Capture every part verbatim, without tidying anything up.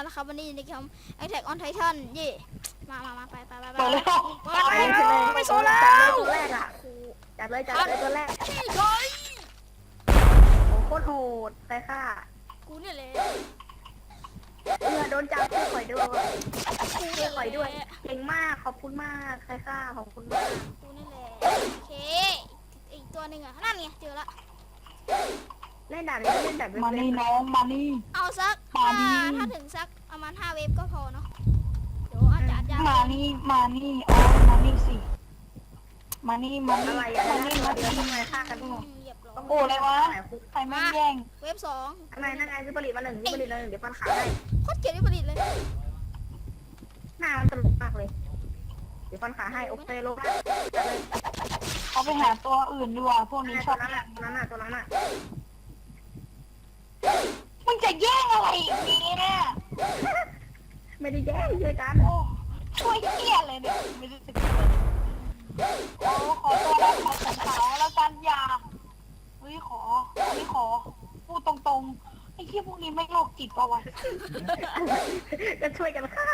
นะครับวันนี้ในเกม Attack on Titan เย่มามามาไปไปไปไปไปเลยไปโซแล้วตัวแรกอ่ะจัดเลยจัดเลยตัวแรกนี่เลยโอ้โคตรโหดใครฆ่ากูเนี่ยแหละเออโดนจับช่วยข่อยด้วยกูช่เนี่วยยข่อยด้วยแหละเก่งมากขอบคุณมากใครฆ่าขอบคุณมากกูนี่แหละโอเคอีกตัวหนึ่งอ่ะนั่นไงเจอละเล่นด่านนี้เล่นด่านมานี่น้องมานี่เอาสักมาดิถ้าถึงสักประมาณห้าเวฟก็พอเนาะเดี๋ยวอาจจะอาจจะมานี่มานี่อ๋อมานี่สิมานี่มานี่อะไรอ่ะมานี่นี่มามาเดือนี่ทำไมฆ่ากันอืหมมดเหยียบร้อยโอ้อะไรวะ ใครไม่แย่งเวฟสองทำไมนั่งไงซื้อผลิตมาหนึ่งซื้อผลิตมาหนึ่งเดี๋ยวฟันขาให้โคตรเกลียดที่ผลิตเลยหน้ามันตลกมากเลยเดี๋ยวฟันขาให้โอเคลงนะจัดเลยเขาไปหาตัวอื่นดีกว่าพวกนี้ชตัอวบนั้นแย่อ่ะงตัวนั้นอ่ะตัวนั้นอ่ะมึงจะแย่งอะไรอีกนี้เนี่ยไม่ได้แย่ช่วยกันโอ้ช่วยเหี้ยเลยเนี่ยไม่รู้สึกเลยโอ้ขอตัวรับขอของเขาแล้วกันอย่าเฮ้ยขออันนี้ขอพูดตรงๆไอ้ที่พวกนี้ไม่โรคจิตปะวะก็ช่วยกันฆ่า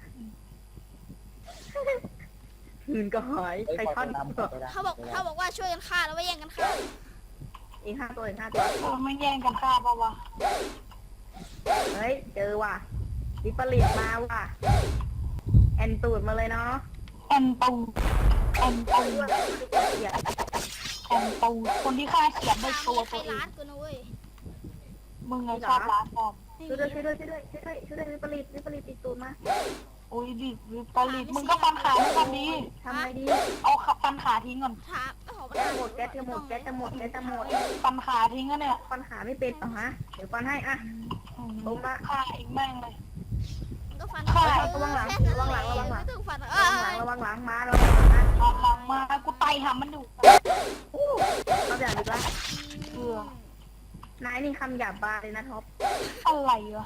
หืนก็หายใครท่อนเขาบอกเขาบอกว่าช่วยกันฆ่าแล้วไม่แย่งกันฆ่าอีกห้าตัวอีกห้าตัวเออไม่แย่งกันฆ่าปะวะเฮ้ยเจอว่ะวิปริตมาว่ะแอนตูดมาเลยเนาะแอนตูแอนตูเสียแอนตูคนที่ฆ่าเขียนด้วยตัวใครตัวเอร้าง นกูนะเว้ยมึงไงชอบร้านฟอมช่วยด้วยช่วยด้วยช่วยด้วยช่วยด้วยช่วยด้วยวิปริตวิปริตติดตูดมาโอ้ยดิวิปริตมึงก็ฟันขาด้วยกันดีทำไงดีเอาขับฟันขาทิ้งก่อนถามโอ้โหแก๊สหมดแก๊สจะหมดแก๊สจะหมดแก๊สจะหมดฟันขาทิ้งก็เนี่ยฟันขาไม่เป็นเหรอฮะเดี๋ยวฟันให้อ่ะอืมล้มละฆ่าอีกแม่งเลยก็ฟันฆ่าระวังหลังแค่นั้นระวังหลังระวังหลังไม่ต้องฟันระเอ้วังหลังยระวังหลังมาระวังหลังนะหลังหลังมากูไตหามันอยู่อู้เราอย่างอีกละเออนายนี่คำหยาบบาเลยนะท็อปอะไรวะ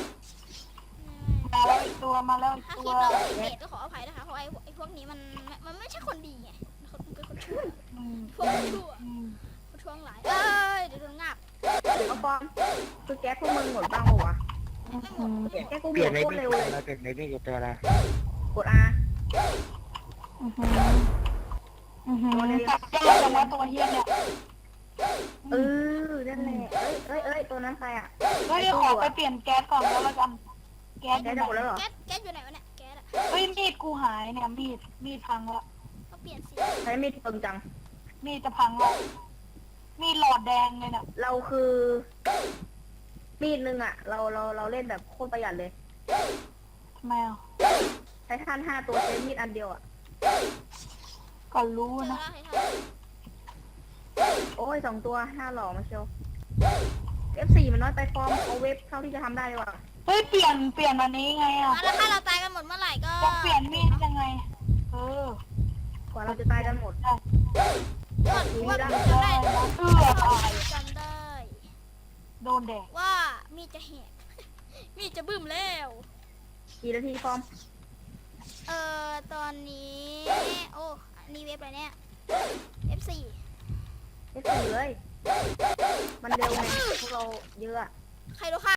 มาแล้วอีกตัวมาแล้วอีกถ้าตัคว ลิปเราผิดเดทก็ขออภัยนะคะเพราะไอ้ไอ้พวกนี้มันมันไม่ใช่คนดีไงมันเป็นคนชั่วอืมพวกชั่วอืมคนชั่วหลายเอ้ยเดี๋ยวโดนงับเดี๋ยวมาฟอมคือแก๊สพวกมึงหมดบ้างปะวะไม่หมดแก๊สกูหเปมลี่ยนดในโคตรพี่เร็วเลยเราเปลี่ยนในพี่กับตัวละกด R อือหืออือหือจับยากจังวะตัวเฮียเนี่ยเออนั่นแหละเอ้ยเอ้ยเอ้ยตัวนั้นใครอ่ะเฮ้ยขอไปเปลี่ยนแก๊สก่อนแล้วละกัน แก๊สอแก๊สยู่จะไหนหมดแล้วเหรอแก๊สแก๊สอยู่ไหนวะเนี่ยแก๊สอะเฮ้ยมีดกูหายเนี่ยมีดมีดพังแล้วก็เปลี่ยนสีใช้มีดเปิงจังมีดจะพังแล้วมีดหลอดแดงเลยเนี่ยเราคือ มีดนึงอ่ะ เราเราเราเล่นแบบโคตรประหยัดเลยทำไมอ่ะใช้ท่านห้าตัวใช้มีดอันเดียวอ่ะก็รู้เจอนะแล้วใครทำโอ้ยสองตัวห้าหล่อมาเชียว เอฟ สี่มันน้อยไปฟอร์มเอาเว็บเท่าที่จะทำได้ดีกว่าเฮ้ยเปลี่ยนเปลี่ยนวันนี้ไงอ่ะอ่ะแล้วถ้าเราตายกันหมดเมื่อไหร่ก็จะเปลี่ยนมีดยังไง เออกว่าเราจะตายกันหมดก่อนว่าได้จำได้เพื่อตายจำได้โดนแดกว่ามีดจะแหก มีดจะบึ้มแล้วกี่นาทีฟอร์มเอ่อตอนนี้ โอ้อันนี่เว็บอะไรเนี่ย เอฟ สี่เอฟ สี่เลย มันเร็วไงพวกเราเยอะอะใครรู้ค่ะ